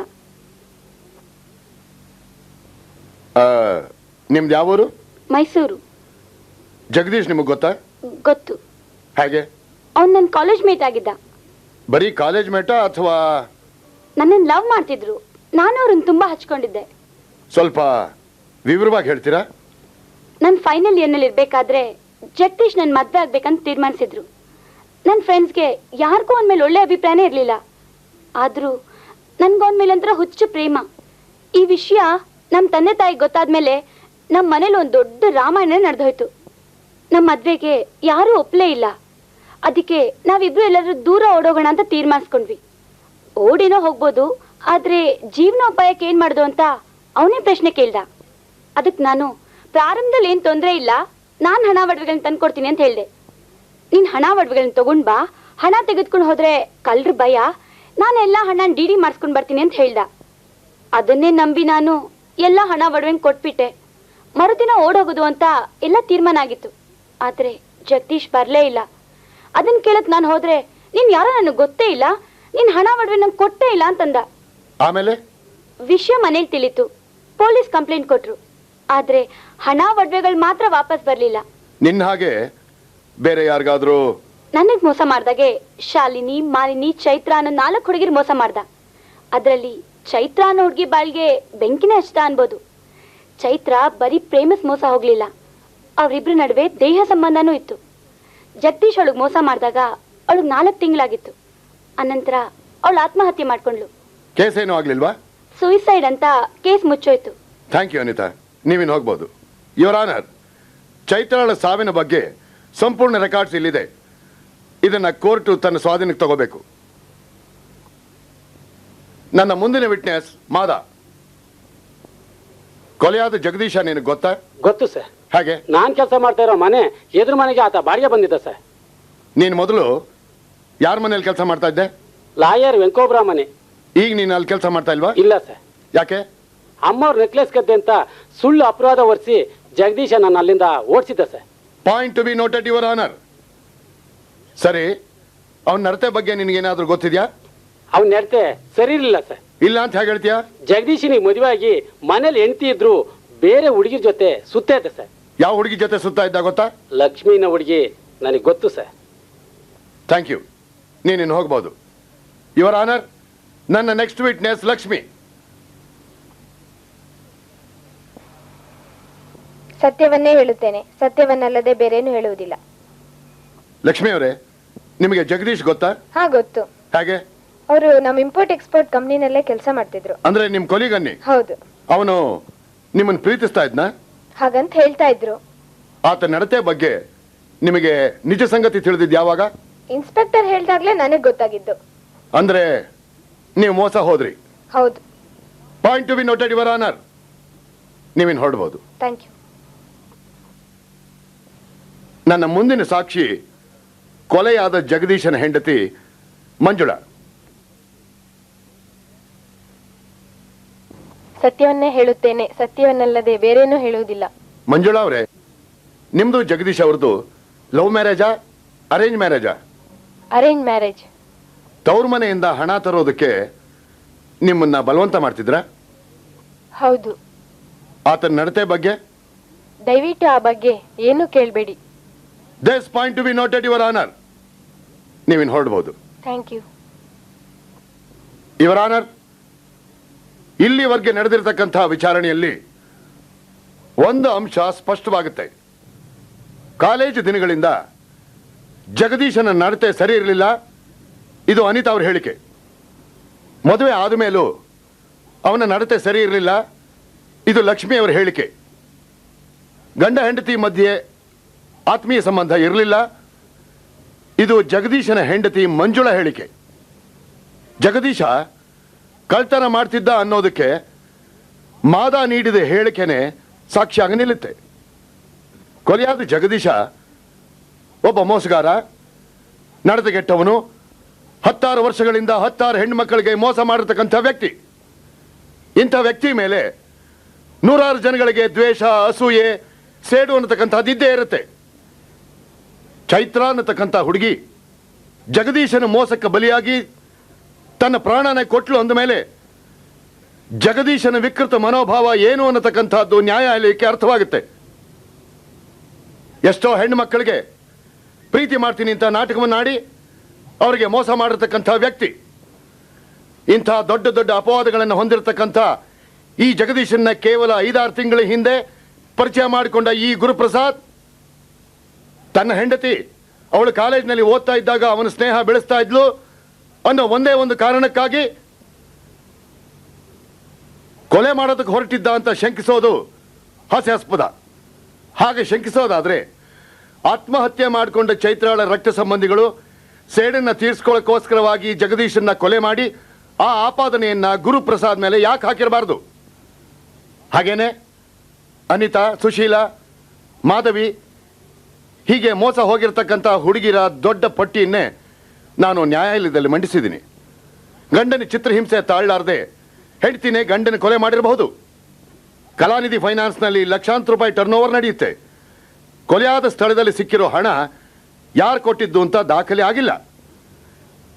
[SPEAKER 1] ನಿಮ್ದು ಯಾವೂರು?
[SPEAKER 11] ಮೈಸೂರು.
[SPEAKER 1] ಜಗದೀಶ್ ನಿಮಗೆ ಗೊತ್ತಾ?
[SPEAKER 11] ಗೊತ್ತು.
[SPEAKER 1] ಹೇಗೆ?
[SPEAKER 11] ಅವ್ನು ನನ್ನ ಕಾಲೇಜ್ ಮೇಟ್ ಆಗಿದ್ದ.
[SPEAKER 1] ಬರೀ ಕಾಲೇಜ್ ಮೇಟಾ ಅಥವಾ?
[SPEAKER 11] ನನ್ನನ್ನು ಲವ್ ಮಾಡ್ತಿದ್ರು, ನಾನು ಅವ್ರನ್ನ ತುಂಬಾ ಹಚ್ಕೊಂಡಿದ್ದೆ.
[SPEAKER 1] ಸ್ವಲ್ಪ ವಿವರವಾಗಿ ಹೇಳ್ತೀರಾ?
[SPEAKER 11] ನನ್ನ ಫೈನಲ್ ಇಯರ್ನಲ್ಲಿ ಇರ್ಬೇಕಾದ್ರೆ ಜಗದೀಶ್ ನನ್ನ ಮದ್ವೆ ಆಗ್ಬೇಕಂತ ತೀರ್ಮಾನಿಸಿದ್ರು. ನನ್ನ ಫ್ರೆಂಡ್ಸ್ಗೆ ಯಾರಿಗೂ ಅವನ ಮೇಲೆ ಒಳ್ಳೆ ಅಭಿಪ್ರಾಯನೇ ಇರಲಿಲ್ಲ. ಆದರೂ ನನ್ಗೆ ಅವನ ಮೇಲೆ ಒಂಥರ ಹುಚ್ಚು ಪ್ರೇಮ. ಈ ವಿಷಯ ನಮ್ಮ ತಂದೆ ತಾಯಿಗೆ ಗೊತ್ತಾದ್ಮೇಲೆ ನಮ್ಮ ಮನೇಲಿ ಒಂದು ದೊಡ್ಡ ರಾಮಾಯಣ ನಡೆದೋಯ್ತು. ನಮ್ಮ ಮದ್ವೆಗೆ ಯಾರೂ ಒಪ್ಪಲೇ ಇಲ್ಲ. ಅದಕ್ಕೆ ನಾವಿಬ್ರು ಎಲ್ಲರೂ ದೂರ ಓಡೋಗೋಣ ಅಂತ ತೀರ್ಮಾನಿಸ್ಕೊಂಡ್ವಿ. ಓಡಿನೋ ಹೋಗ್ಬೋದು, ಆದ್ರೆ ಜೀವನೋಪಾಯಕ್ಕೆ ಏನ್ ಮಾಡ್ದು ಅಂತ ಅವನೇ ಪ್ರಶ್ನೆ ಕೇಳ್ದ. ಅದಕ್ಕೆ ನಾನು ಪ್ರಾರಂಭದಲ್ಲಿ ಏನ್ ತೊಂದರೆ ಇಲ್ಲ, ನಾನ್ ಹಣ ಒಡವೆಗಳನ್ನ ತಂದ್ಕೊಡ್ತೀನಿ ಅಂತ ಹೇಳ್ದೆ. ನೀನ್ ಹಣ ಒಡವೆಗಳನ್ನ ತಗೊಂಡ್ ಬಾ, ಹಣ ತೆಗೆದ್ಕೊಂಡು ಹೋದ್ರೆ ಕಳ್ರ ಭಯ, ನಾನೆಲ್ಲ ಹಣ ಡಿ ಡಿ ಮಾಡಿಸ್ಕೊಂಡ್ ಬರ್ತೀನಿ ಅಂತ ಹೇಳ್ದ. ಅದನ್ನೇ ನಂಬಿ ನಾನು ಎಲ್ಲ ಹಣ ಒಡವೆನ್ ಕೊಟ್ಬಿಟ್ಟೆ. ಮರುದಿನ ಓಡೋಗೋದು ಅಂತ ಎಲ್ಲ ತೀರ್ಮಾನ ಆಗಿತ್ತು. ಆದ್ರೆ ಜಗದೀಶ್ ಬರ್ಲೇ ಇಲ್ಲ. ಅದನ್ನ ಕೇಳಕ್ ನಾನು ಹೋದ್ರೆ ನೀನ್ ಯಾರೋ ನನಗೆ ಗೊತ್ತೇ ಇಲ್ಲ, ನೀನ್ ಹಣ ಒಡವೆ ನಂಗೆ ಕೊಟ್ಟೇ ಇಲ್ಲ ಅಂತಂದ.
[SPEAKER 1] ಆಮೇಲೆ
[SPEAKER 11] ವಿಷಯ ಮನೇಲಿ ತಿಳಿತು. ಪೊಲೀಸ್ ಕಂಪ್ಲೇಂಟ್ ಕೊಟ್ರು. ಆದ್ರೆ ಹಣ ಒಡವೆಗಳು ಮಾತ್ರ ವಾಪಸ್ ಬರ್ಲಿಲ್ಲ.
[SPEAKER 1] ನಿನ್ನ ಹಾಗೆ ಬೇರೆ ಯಾರಿಗಾದ್ರೂ
[SPEAKER 11] ನನಗ್ ಮೋಸ ಮಾಡ್ದಾಗೆ ಶಾಲಿನಿ, ಮಾಲಿನಿ, ಚೈತ್ರ ಅನ್ನೋ ನಾಲ್ಕು ಹುಡುಗಿರ್ ಮೋಸ ಮಾಡ್ದ. ಅದ್ರಲ್ಲಿ ಚೈತ್ರ ಅನ್ನೋ ಹುಡುಗಿ ಬಾಳ್ಗೆ ಬೆಂಕಿನೇ ಹಚ್ದ ಅನ್ಬೋದು. ಚೈತ್ರ ಬರೀ ಪ್ರೇಮಸ್ ಮೋಸ ಹೋಗ್ಲಿಲ್ಲ, ಅವ್ರಿಬ್ರ ನಡುವೆ ದೇಹ ಸಂಬಂಧನೂ ಇತ್ತು. ಜಗದೀಶ್ ಅವಳಿಗೆ ಮೋಸ ಮಾಡಿದಾಗ ಅವಳಿಗೆ ನಾಲ್ಕು ತಿಂಗಳಾಗಿತ್ತು. ಅನಂತರ ಅವಳು ಆತ್ಮಹತ್ಯೆ ಮಾಡ್ಕೊಂಡ್ಲು.
[SPEAKER 1] ಕೇಸ್ ಏನೂ ಆಗ್ಲಿಲ್ವಾ?
[SPEAKER 11] ಸೂಯಿಸೈಡ್ ಅಂತ ಕೇಸ್ ಮುಚ್ಚೋಯ್ತು.
[SPEAKER 1] ಥ್ಯಾಂಕ್ ಯು ಅನಿತಾ, ನೀವಿನ್ ಹೋಗ್ಬೋದು. ಯುವರ್ ಆನರ್, ಚೈತ್ರಳ ಸಾವಿನ ಬಗ್ಗೆ ಸಂಪೂರ್ಣ ರೆಕಾರ್ಡ್ಸ್ ಇಲ್ಲಿದೆ. ಇದನ್ನ ಕೋರ್ಟ್ ತನ್ನ ಸ್ವಾಧೀನಕ್ಕೆ ತಗೋಬೇಕು. ನನ್ನ ಮುಂದಿನ ವಿಟ್ನೆಸ್ ಮಾದ. ಕೊಲೆಯಾದ ಜಗದೀಶ ನಿನಗೆ ಗೊತ್ತಾ?
[SPEAKER 12] ಗೊತ್ತು ಸರ್.
[SPEAKER 1] ಹಾಗೆ
[SPEAKER 12] ನಾನ್ ಕೆಲಸ ಮಾಡ್ತಾ ಇರೋ ಮನೆ ಎದುರು ಮನೆಗೆ ಆತ ಬಾಡಿಗೆ ಬಂದಿದ್ದ ಸರ್.
[SPEAKER 1] ನೀನು ಮೊದಲು ಯಾರ ಮನೇಲಿ ಕೆಲಸ ಮಾಡ್ತಾ ಇದ್ದೆ?
[SPEAKER 12] ಲಾಯರ್ ವೆಂಕೋಬ್ರ ಮನೆ.
[SPEAKER 1] ಈಗ ನೀನು ಅಲ್ಲಿ ಕೆಲಸ ಮಾಡ್ತಾ ಇಲ್ವಾ?
[SPEAKER 12] ಇಲ್ಲ ಸರ್.
[SPEAKER 1] ಯಾಕೆ?
[SPEAKER 12] ಅಮ್ಮವ್ರ ನೆಕ್ಲೆಸ್ ಕದ್ದೆ ಅಂತ ಸುಳ್ಳು ಅಪರಾಧ ಹೊರಿಸಿ ಜಗದೀಶ ನನ್ನ ಅಲ್ಲಿಂದ ಓಡಿಸಿದ್ದ sir.
[SPEAKER 1] Point to be noted your honour. ಸರಿ, ಅವನ ನಡತೆ ಬಗ್ಗೆ ನಿನಗೇನಾದ್ರೂ ಗೊತ್ತಿದ್ಯಾ?
[SPEAKER 12] ಅವ್ನ ನಡತೆ ಸರಿ ಇರಲಿಲ್ಲ ಸರ್.
[SPEAKER 1] ಇಲ್ಲ ಅಂತ ಹೇಗೆ ಹೇಳ್ತೀಯಾ?
[SPEAKER 12] ಜಗದೀಶನಿಗೆ ಮದುವೆ ಆಗಿ ಮನೇಲಿ ಹೆಂಡತಿ ಇದ್ರು ಬೇರೆ ಹುಡುಗಿರ್ ಜೊತೆ ಸುತ್ತ ಇದ್ದ ಸರ್.
[SPEAKER 1] ಯಾವ ಹುಡುಗಿ ಜೊತೆ ಸುತ್ತಾ ಇದ್ದ ಗೊತ್ತಾ?
[SPEAKER 12] ಲಕ್ಷ್ಮೀನ ಹುಡುಗಿ ನನಗೆ ಗೊತ್ತು ಸರ್.
[SPEAKER 1] ಥ್ಯಾಂಕ್ ಯು, ನೀನಿನ್ನು ಹೋಗ್ಬೋದು. ಯುವರ್ ಆನರ್, ನನ್ನ ನೆಕ್ಸ್ಟ್ ವಿಟ್ನೆಸ್ ಲಕ್ಷ್ಮಿ.
[SPEAKER 8] ಸತ್ಯವನ್ನೇ ಹೇಳುತ್ತೇನೆ, ಸತ್ಯವನ್ನಲ್ಲದೆ ಬೇರೇನು ಹೇಳುವುದಿಲ್ಲ.
[SPEAKER 1] ಲಕ್ಷ್ಮಿ ಅವರೇ, ನಿಮಗೆ ಜಗದೀಶ್ ಗೊತ್ತಾ?
[SPEAKER 8] ಹಾ ಗೊತ್ತು.
[SPEAKER 1] ಹಾಗೆ?
[SPEAKER 8] ಅವರು ನಮ್ಮ ಇಂಪೋರ್ಟ್ ಎಕ್ಸ್ಪೋರ್ಟ್ ಕಂಪ್ನಿನಲ್ಲೇ ಕೆಲಸ ಮಾಡ್ತಿದ್ರು.
[SPEAKER 1] ಅಂದ್ರೆ ನಿಮ್ ಕೊಲಿಗನ್ನಿ?
[SPEAKER 8] ಹೌದು.
[SPEAKER 1] ಅವನು ನಿಮ್ಮನ್ನು ಪ್ರೀತಿಸ್ತಾ ಇದ್ನಾ?
[SPEAKER 8] ಹಾಗಂತ ಹೇಳ್ತಾ ಇದ್ರು.
[SPEAKER 1] ಆತ ನಡತೆ ಬಗ್ಗೆ ನಿಮಗೆ ನಿಜ ಸಂಗತಿ ತಿಳಿದಿದ್ ಯಾವಾಗ?
[SPEAKER 8] ಇನ್ಸ್ಪೆಕ್ಟರ್ ಹೇಳ್ದಾಗ್ಲೇ ನನಗ್ ಗೊತ್ತಾಗಿದ್ದು.
[SPEAKER 1] ಅಂದ್ರೆ ನೀವು ಮೋಸ ಹೋದ್ರಿ?
[SPEAKER 8] ಹೌದು.
[SPEAKER 1] Point to be noted your honour. ನೀವಿನ್ ಹೊರಡ್ಬೋದು.
[SPEAKER 8] Thank you.
[SPEAKER 1] ನನ್ನ ಮುಂದಿನ ಸಾಕ್ಷಿ ಕೊಲೆಯಾದ ಜಗದೀಶನ ಹೆಂಡತಿ ಮಂಜುಳಾ.
[SPEAKER 8] ಸತ್ಯವನ್ನೇ ಹೇಳುತ್ತೇನೆ, ಸತ್ಯವನ್ನಲ್ಲದೆ ಬೇರೇನೂ ಹೇಳುವುದಿಲ್ಲ.
[SPEAKER 1] ಮಂಜುಳಾ ಅವರೇ, ನಿಮ್ದು ಜಗದೀಶ್ ಅವ್ರದ್ದು ಲವ್ ಮ್ಯಾರೇಜಾ ಅರೇಂಜ್ ಮ್ಯಾರೇಜಾ?
[SPEAKER 8] Arrange marriage.
[SPEAKER 1] ತವ್ರ ಮನೆಯಿಂದ ಹಣ ತರೋದಕ್ಕೆ ನಿಮ್ಮನ್ನ ಬಲವಂತ ಮಾಡ್ತಿದ್ರ?
[SPEAKER 8] ಹೌದು.
[SPEAKER 1] ಆತನ ನಡತೆ ಬಗ್ಗೆ?
[SPEAKER 8] ದಯವಿಟ್ಟು ಆ ಬಗ್ಗೆ ಏನು ಕೇಳಬೇಡಿ.
[SPEAKER 1] This point to be noted your honour. ನೀವಿನ್ ಹೊರಡ್ಬೋದು.
[SPEAKER 8] Thank you.
[SPEAKER 1] ಯುವರ್ ಆನರ್, ಇಲ್ಲಿವರೆಗೆ ನಡೆದಿರತಕ್ಕಂತಹ ವಿಚಾರಣೆಯಲ್ಲಿ ಒಂದು ಅಂಶ ಸ್ಪಷ್ಟವಾಗುತ್ತೆ. ಕಾಲೇಜು ದಿನಗಳಿಂದ ಜಗದೀಶನ ನಡತೆ ಸರಿ ಇರಲಿಲ್ಲ, ಇದು ಅನಿತಾ ಅವ್ರ ಹೇಳಿಕೆ. ಮದುವೆ ಆದ ಮೇಲೂ ಅವನ ನಡತೆ ಸರಿ ಇರಲಿಲ್ಲ, ಇದು ಲಕ್ಷ್ಮಿ ಅವರ ಹೇಳಿಕೆ. ಗಂಡ ಹೆಂಡತಿ ಮಧ್ಯೆ ಆತ್ಮೀಯ ಸಂಬಂಧ ಇರಲಿಲ್ಲ, ಇದು ಜಗದೀಶನ ಹೆಂಡತಿ ಮಂಜುಳಾ ಹೇಳಿಕೆ. ಜಗದೀಶ ಕಳ್ತನ ಮಾಡ್ತಿದ್ದ ಅನ್ನೋದಕ್ಕೆ ಮಾದ ನೀಡಿದ ಹೇಳಿಕೆನೆ ಸಾಕ್ಷಿಯಾಗಿ ನಿಲ್ಲುತ್ತೆ. ಕೊಲೆಯಾದ ಜಗದೀಶ ಒಬ್ಬ ಮೋಸಗಾರ, ನಡತೆಗೆಟ್ಟವನು, ಹತ್ತಾರು ವರ್ಷಗಳಿಂದ ಹತ್ತಾರು ಹೆಣ್ಣು ಮಕ್ಕಳಿಗೆ ಮೋಸ ಮಾಡಿರ್ತಕ್ಕಂಥ ವ್ಯಕ್ತಿ. ಇಂಥ ವ್ಯಕ್ತಿ ಮೇಲೆ ನೂರಾರು ಜನಗಳಿಗೆ ದ್ವೇಷ, ಅಸೂಯೆ, ಸೇಡು ಅನ್ನತಕ್ಕಂಥದ್ದು ಇದ್ದೇ ಇರುತ್ತೆ. ಚೈತ್ರ ಅನ್ನತಕ್ಕಂಥ ಹುಡುಗಿ ಜಗದೀಶನ ಮೋಸಕ್ಕೆ ಬಲಿಯಾಗಿ ತನ್ನ ಪ್ರಾಣನ ಕೊಟ್ಲು ಅಂದ ಮೇಲೆ ಜಗದೀಶನ ವಿಕೃತ ಮನೋಭಾವ ಏನು ಅನ್ನತಕ್ಕಂಥದ್ದು ನ್ಯಾಯಾಲಯಕ್ಕೆ ಅರ್ಥವಾಗುತ್ತೆ. ಎಷ್ಟೋ ಹೆಣ್ಣು ಮಕ್ಕಳಿಗೆ ಪ್ರೀತಿ ಮಾಡ್ತೀನಿ ಅಂತ ನಾಟಕವನ್ನಾಡಿ ಅವರಿಗೆ ಮೋಸ ಮಾಡಿರ್ತಕ್ಕಂಥ ವ್ಯಕ್ತಿ. ಇಂಥ ದೊಡ್ಡ ದೊಡ್ಡ ಅಪವಾದಗಳನ್ನು ಹೊಂದಿರತಕ್ಕಂಥ ಈ ಜಗದೀಶನ್ನ ಕೇವಲ ಐದಾರು ತಿಂಗಳ ಹಿಂದೆ ಪರಿಚಯ ಮಾಡಿಕೊಂಡ ಈ ಗುರುಪ್ರಸಾದ್ ತನ್ನ ಹೆಂಡತಿ ಅವಳು ಕಾಲೇಜಿನಲ್ಲಿ ಓದ್ತಾ ಇದ್ದಾಗ ಅವನ ಸ್ನೇಹ ಬೆಳೆಸ್ತಾ ಇದ್ಲು ಅನ್ನೋ ಒಂದೇ ಒಂದು ಕಾರಣಕ್ಕಾಗಿ ಕೊಲೆ ಮಾಡೋದಕ್ಕೆ ಹೊರಟಿದ್ದ ಅಂತ ಶಂಕಿಸೋದು ಹಾಸ್ಯಾಸ್ಪದ. ಹಾಗೆ ಶಂಕಿಸೋದಾದ್ರೆ ಆತ್ಮಹತ್ಯೆ ಮಾಡಿಕೊಂಡ ಚೈತ್ರಾಳ ರಕ್ತ ಸಂಬಂಧಿಗಳು ಸೇಡನ್ನ ತೀರಿಸ್ಕೊಳ್ಳೋಕ್ಕೋಸ್ಕರವಾಗಿ ಜಗದೀಶನ್ನ ಕೊಲೆ ಮಾಡಿ ಆ ಆಪಾದನೆಯನ್ನ ಗುರುಪ್ರಸಾದ್ ಮೇಲೆ ಯಾಕೆ ಹಾಕಿರಬಾರ್ದು? ಹಾಗೇನೆ ಅನಿತಾ, ಸುಶೀಲಾ, ಮಾಧವಿ ಹೀಗೆ ಮೋಸ ಹೋಗಿರ್ತಕ್ಕಂಥ ಹುಡುಗಿರ ದೊಡ್ಡ ಪಟ್ಟಿಯನ್ನೇ ನಾನು ನ್ಯಾಯಾಲಯದಲ್ಲಿ ಮಂಡಿಸಿದ್ದೀನಿ. ಗಂಡನ ಚಿತ್ರಹಿಂಸೆ ತಾಳಲಾರದೆ ಹೆಂಡ್ತಿನೇ ಗಂಡನ ಕೊಲೆ ಮಾಡಿರಬಹುದು. ಕಲಾನಿಧಿ ಫೈನಾನ್ಸ್ನಲ್ಲಿ ಲಕ್ಷಾಂತರ ರೂಪಾಯಿ ಟರ್ನ್ ಓವರ್ ನಡೆಯುತ್ತೆ. ಕೊಲೆಯಾದ ಸ್ಥಳದಲ್ಲಿ ಸಿಕ್ಕಿರೋ ಹಣ ಯಾರು ಕೊಟ್ಟಿದ್ದು ಅಂತ ದಾಖಲೆ ಆಗಿಲ್ಲ.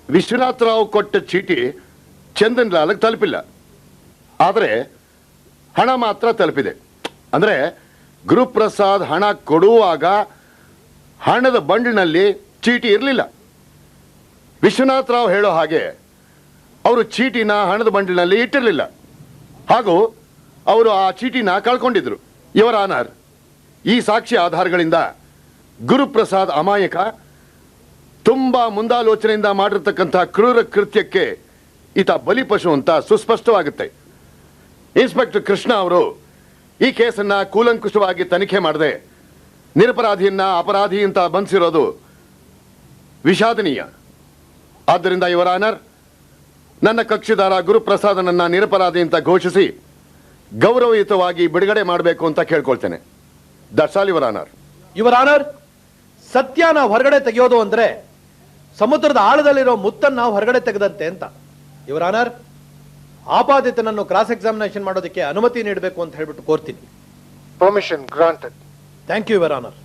[SPEAKER 1] ವಿಶ್ವನಾಥ್ ರಾವ್ ಕೊಟ್ಟ ಚೀಟಿ ಚಂದನ್ ಲಾಲ್ಗೆ ತಲುಪಿಲ್ಲ. ಆದರೆ ಹಣ ಮಾತ್ರ ತಲುಪಿದೆ. ಅಂದ್ರೆ ಗುರುಪ್ರಸಾದ್ ಹಣ ಕೊಡುವಾಗ ಹಣದ ಬಂಡ್ಲಿನಲ್ಲಿ ಚೀಟಿ ಇರಲಿಲ್ಲ. ವಿಶ್ವನಾಥ್ ರಾವ್ ಹೇಳೋ ಹಾಗೆ ಅವರು ಚೀಟಿನ ಹಣದ ಬಂಡ್ಲಿನಲ್ಲಿ ಇಟ್ಟಿರಲಿಲ್ಲ, ಹಾಗೂ ಅವರು ಆ ಚೀಟಿನ ಕಳ್ಕೊಂಡಿದ್ರು. ಇವರ ಆನರ್, ಈ ಸಾಕ್ಷಿ ಆಧಾರಗಳಿಂದ ಗುರುಪ್ರಸಾದ್ ಅಮಾಯಕ, ತುಂಬಾ ಮುಂದಾಲೋಚನೆಯಿಂದ ಮಾಡಿರ್ತಕ್ಕಂಥ ಕ್ರೂರ ಕೃತ್ಯಕ್ಕೆ ಈತ ಬಲಿಪಶು ಅಂತ ಸುಸ್ಪಷ್ಟವಾಗುತ್ತೆ. ಇನ್ಸ್ಪೆಕ್ಟರ್ ಕೃಷ್ಣ ಅವರು ಈ ಕೇಸನ್ನ ಕೂಲಂಕುಷವಾಗಿ ತನಿಖೆ ಮಾಡದೆ ನಿರಪರಾಧಿಯನ್ನ ಅಪರಾಧಿ ಅಂತ ಬಂಧಿಸಿರೋದು ವಿಷಾದನೀಯ. ಆದ್ದರಿಂದ ಇವರ ಆನರ್, ನನ್ನ ಕಕ್ಷಿದಾರ ಗುರುಪ್ರಸಾದನನ್ನ ನಿರಪರಾಧಿ ಅಂತ ಘೋಷಿಸಿ ಗೌರವಯುತವಾಗಿ ಬಿಡುಗಡೆ ಮಾಡಬೇಕು ಅಂತ ಕೇಳ್ಕೊಳ್ತೇನೆ. That's all your honour.
[SPEAKER 4] Your honour, ಸತ್ಯನ ಹೊರಗಡೆ ತೆಗೆಯೋದು ಅಂದ್ರೆ ಸಮುದ್ರದ ಆಳದಲ್ಲಿರೋ ಮುತ್ತನ್ನ ಹೊರಗಡೆ ತೆಗೆದಂತೆ ಅಂತ. ಯುವರ್ ಆನರ್, ಆಪಾದಿತನನ್ನು ಕ್ರಾಸ್ ಎಕ್ಸಾಮಿನೇಷನ್ ಮಾಡೋದಕ್ಕೆ ಅನುಮತಿ ನೀಡಬೇಕು ಅಂತ ಹೇಳ್ಬಿಟ್ಟು ಕೋರ್ತೀನಿ.
[SPEAKER 13] Permission granted.
[SPEAKER 4] Thank you your honour.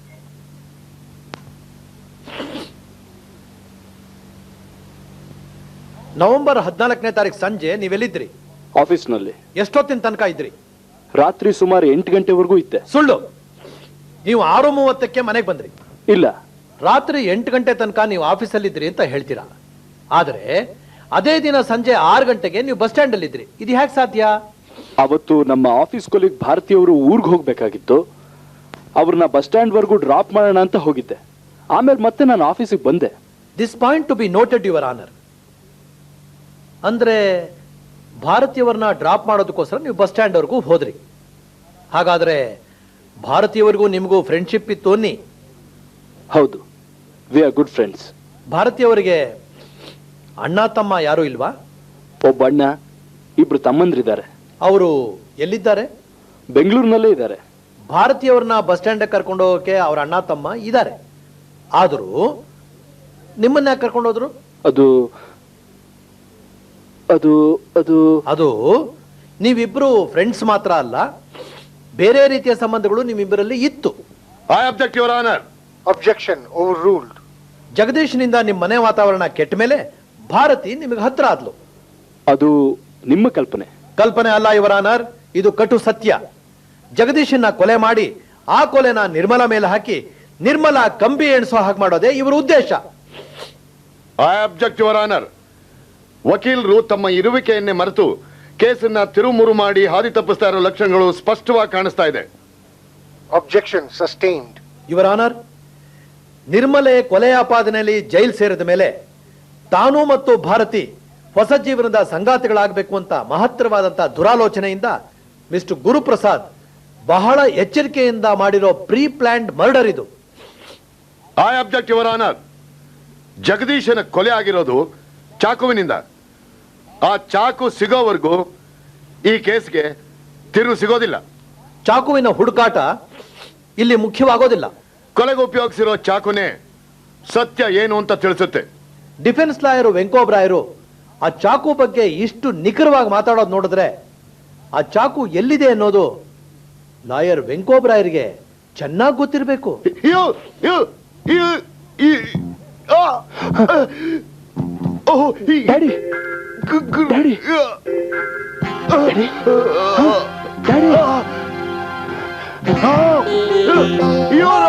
[SPEAKER 4] November ಹದಿನಾಲ್ಕನೇ ತಾರೀಕು ಸಂಜೆ ನೀವೆಲ್ಲಿದ್ರಿ?
[SPEAKER 14] ಆಫೀಸ್ನಲ್ಲಿ.
[SPEAKER 4] ಎಷ್ಟೊತ್ತಿನ ತನಕ ಇದ್ರಿ?
[SPEAKER 14] ರಾತ್ರಿ ಸುಮಾರು ಎಂಟು ಗಂಟೆವರೆಗೂ ಇದ್ದೆ.
[SPEAKER 4] ಸುಳ್ಳು. ನೀವು ಆರು ಮೂವತ್ತಕ್ಕೆ ಮನೆಗೆ ಬಂದ್ರಿ?
[SPEAKER 14] ಇಲ್ಲ,
[SPEAKER 4] ರಾತ್ರಿ ಎಂಟು ಗಂಟೆ ತನಕ ನೀವು ಆಫೀಸಲ್ಲಿದ್ರಿ ಅಂತ ಹೇಳ್ತೀರಾ. ಆದ್ರೆ ಅದೇ ದಿನ ಸಂಜೆ ಆರು ಗಂಟೆಗೆ ನೀವು ಬಸ್ ಸ್ಟ್ಯಾಂಡ್ ಅಲ್ಲಿ ಇದ್ರಿ. ಇದು ಹೇಗೆ ಸಾಧ್ಯ?
[SPEAKER 14] ಅವತ್ತು ನಮ್ಮ ಆಫೀಸ್ ಕೊಲಿಗ್ ಭಾರತೀಯವರು ಊರ್ಗ್ ಹೋಗ್ಬೇಕಾಗಿತ್ತು. ಅವ್ರನ್ನ ಬಸ್ ಸ್ಟ್ಯಾಂಡ್ ವರ್ಗೂ ಡ್ರಾಪ್ ಮಾಡೋಣ ಅಂತ ಹೋಗಿದ್ದೆ. ಆಮೇಲೆ ಮತ್ತೆ ನಾನು ಆಫೀಸಿಗೆ ಬಂದೆ.
[SPEAKER 4] This point to be noted your honour. ಅಂದ್ರೆ ಭಾರತೀಯವರನ್ನ ಡ್ರಾಪ್ ಮಾಡೋದಕ್ಕೋಸ್ಕರ ನೀವು ಬಸ್ ಸ್ಟ್ಯಾಂಡ್ ವರ್ಗೂ ಹೋದ್ರಿ. ಹಾಗಾದ್ರೆ ಭಾರತೀಯವರಿಗೂ ನಿಮಗೂ ಫ್ರೆಂಡ್ಶಿಪ್ ಇತ್ತು ಅನ್ನಿ?
[SPEAKER 14] ಹೌದು, ವಿ ಆರ್ ಗುಡ್ ಫ್ರೆಂಡ್ಸ್.
[SPEAKER 4] ಭಾರತೀಯವರಿಗೆ ಅಣ್ಣ ತಮ್ಮ ಯಾರು ಇಲ್ವಾ?
[SPEAKER 14] ಒಬ್ಬ ಅಣ್ಣ, ಇಬ್ರು ತಮ್ಮಂದ್ರಿದ್ದಾರೆ.
[SPEAKER 4] ಅವರು ಎಲ್ಲಿದ್ದಾರೆ?
[SPEAKER 14] ಬೆಂಗಳೂರಿನಲ್ಲೇ ಇದ್ದಾರೆ.
[SPEAKER 4] ಭಾರತೀಯವ್ರನ್ನ ಬಸ್ ಸ್ಟ್ಯಾಂಡ್ ಕರ್ಕೊಂಡು ಹೋಗಕ್ಕೆ ಅವ್ರ ಅಣ್ಣ ತಮ್ಮ ಇದ್ದಾರೆ. ಆದರೂ ನಿಮ್ಮನ್ನ ಯಾಕೆ ಕರ್ಕೊಂಡು ಹೋದ್ರು?
[SPEAKER 14] ಅದು ಅದು ಅದು
[SPEAKER 4] ಅದು ನೀವಿಬ್ರು ಫ್ರೆಂಡ್ಸ್ ಮಾತ್ರ ಅಲ್ಲ, ಬೇರೆ ರೀತಿಯ ಸಂಬಂಧಗಳು ನಿಮ್ಮಿಬ್ಬರಲ್ಲಿ ಇತ್ತು.
[SPEAKER 1] I object your honour.
[SPEAKER 13] Objection overruled.
[SPEAKER 4] ಜಗದೀಶ್ನಿಂದ ನಿಮ್ಮ ಮನೆ ವಾತಾವರಣ ಕೆಟ್ಟ ಮೇಲೆ ಭಾರತಿ ನಿಮಗೆ ಹತ್ರ ಆದ್ಲು.
[SPEAKER 14] ಅದು ನಿಮ್ಮ ಕಲ್ಪನೆ.
[SPEAKER 4] ಕಲ್ಪನೆ ಅಲ್ಲ ಯುವರ್ ಆನರ್, ಇದು ಕಟು ಸತ್ಯ. ಜಗದೀಶನ್ನ ಕೊಲೆ ಮಾಡಿ ಆ ಕೊಲೆನ ನಿರ್ಮಲಾ ಮೇಲೆ ಹಾಕಿ ನಿರ್ಮಲಾ ಕಂಬಿ ಎಣಿಸೋ ಹಾಗೆ ಮಾಡೋದೇ ಇವರ ಉದ್ದೇಶ.
[SPEAKER 1] I object your honour. ವಕೀಲರು ತಮ್ಮ ಇರುವಿಕೆಯನ್ನೇ ಮರೆತು ಕೇಸನ್ನ ತಿರುಮುರು ಮಾಡಿ ಹಾದಿ ತಪ್ಪಿಸ್ತಾ ಇರೋ ಲಕ್ಷಣಗಳು ಸ್ಪಷ್ಟವಾಗಿ ಕಾಣಿಸ್ತಾ ಇದೆ.
[SPEAKER 13] Objection sustained.
[SPEAKER 4] ಯುವರ್ ಆನರ್, ನಿರ್ಮಲೆ ಕೊಲೆ ಆಪಾದನೆಯಲ್ಲಿ ಜೈಲು ಸೇರಿದ ಮೇಲೆ ತಾನು ಮತ್ತು ಭಾರತಿ ಹೊಸ ಜೀವನದ ಸಂಗಾತಿಗಳಾಗಬೇಕು ಅಂತ ಮಹತ್ತರವಾದಂತಹ ದುರಾಲೋಚನೆಯಿಂದ ಮಿಸ್ಟರ್ ಗುರುಪ್ರಸಾದ್ ಬಹಳ ಎಚ್ಚರಿಕೆಯಿಂದ ಮಾಡಿರೋ ಪ್ರೀ ಪ್ಲಾನ್ಡ್ ಮರ್ಡರ್ ಇದು.
[SPEAKER 1] I object your honour. ಜಗದೀಶನ ಕೊಲೆ ಆಗಿರೋದು ಚಾಕುವಿನಿಂದ. ಆ ಚಾಕು ಸಿಗೋವರೆಗೂ ಈ ಕೇಸ್ಗೆ ತಿರುವು ಸಿಗೋದಿಲ್ಲ.
[SPEAKER 4] ಚಾಕುವಿನ ಹುಡುಕಾಟ ಇಲ್ಲಿ ಮುಖ್ಯವಾಗೋದಿಲ್ಲ.
[SPEAKER 1] ಕೊಲೆಗೆ ಉಪಯೋಗಿಸಿರೋ ಚಾಕುನೇ ಸತ್ಯ ಏನು ಅಂತ ತಿಳಿಸುತ್ತೆ.
[SPEAKER 4] ಡಿಫೆನ್ಸ್ ಲಾಯರು ವೆಂಕೋಬ್ರಾಯರು ಆ ಚಾಕು ಬಗ್ಗೆ ಇಷ್ಟು ನಿಖರವಾಗಿ ಮಾತಾಡೋದು ನೋಡಿದ್ರೆ ಆ ಚಾಕು ಎಲ್ಲಿದೆ ಅನ್ನೋದು ಲಾಯರ್ ವೆಂಕೋಬ್ರಾಯರಿಗೆ ಚೆನ್ನಾಗಿ ಗೊತ್ತಿರಬೇಕು.
[SPEAKER 14] Daddy, daddy, daddy,
[SPEAKER 1] You're